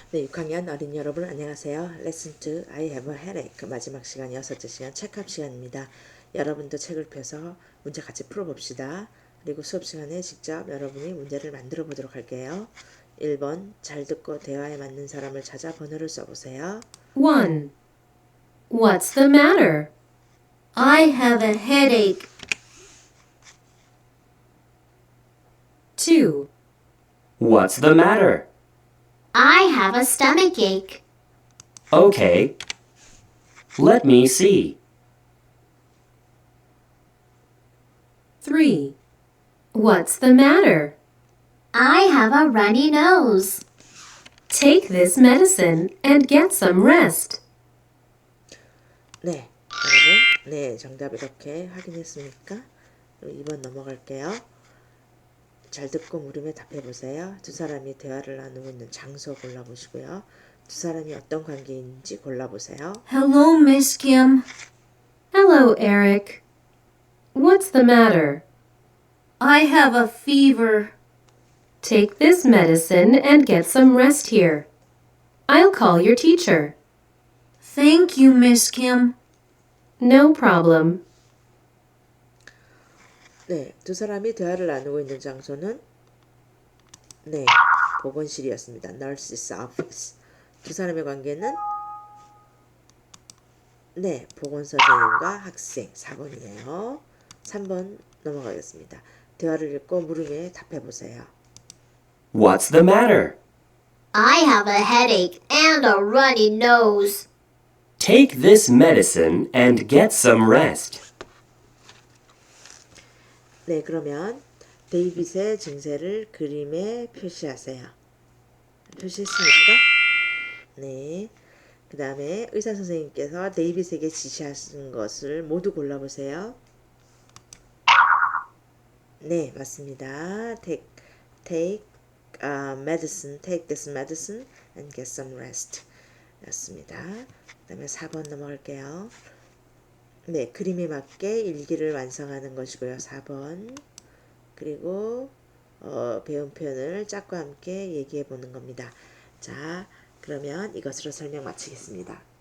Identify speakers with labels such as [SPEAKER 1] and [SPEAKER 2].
[SPEAKER 1] 네, 6학년 어린이 여러분 안녕하세요. 레슨 2 I have a headache 마지막 시간 6째 시간 체크업 시간입니다. 여러분도 책을 펴서 문제 같이 풀어봅시다. 그리고 수업 시간에 직접 여러분이 문제를 만들어 보도록 할게요. 1번 잘 듣고 대화에 맞는 사람을 찾아 번호를 써보세요.
[SPEAKER 2] 1. What's the matter?
[SPEAKER 3] I have a headache.
[SPEAKER 2] 2.
[SPEAKER 4] What's the matter?
[SPEAKER 3] I have a stomachache.
[SPEAKER 4] Okay. Let me see.
[SPEAKER 2] 3. What's the matter?
[SPEAKER 3] I have a runny nose.
[SPEAKER 2] Take this medicine and get some rest.
[SPEAKER 1] 네, 여러분. 네, 정답 이렇게 확인했습니까? 그럼 2번 넘어갈게요. 잘 듣고 물음에 답해보세요. 두 사람이 대화를 나누고 있는 장소 골라보시고요. 두 사람이 어떤 관계인지 골라보세요.
[SPEAKER 3] Hello, Miss Kim.
[SPEAKER 2] Hello, Eric. What's the matter?
[SPEAKER 3] I have a fever.
[SPEAKER 2] Take this medicine and get some rest here. I'll call your teacher.
[SPEAKER 3] Thank you, Miss Kim.
[SPEAKER 2] No problem.
[SPEAKER 1] 네, 두 사람이 대화를 나누고 있는 장소는 네, 보건실이었습니다. Nurse's office. 두 사람의 관계는 네, 보건선생님과 학생 4번이에요. 3번 넘어가겠습니다. 대화를 읽고 물음에 답해보세요.
[SPEAKER 4] What's the matter?
[SPEAKER 3] I have a headache and a runny nose.
[SPEAKER 4] Take this medicine and get some rest.
[SPEAKER 1] 네, 그러면 데이빗의 증세를 그림에 표시하세요. 표시했습니까? 네. 그 다음에 의사 선생님께서 데이빗에게 지시하신 것을 모두 골라보세요. 네, 맞습니다. Take medicine, take this medicine and get some rest. 였습니다. 그 다음에 4번 넘어갈게요. 네, 그림에 맞게 일기를 완성하는 것이고요. 4번. 그리고 배운 표현을 짝과 함께 얘기해 보는 겁니다. 자, 그러면 이것으로 설명 마치겠습니다.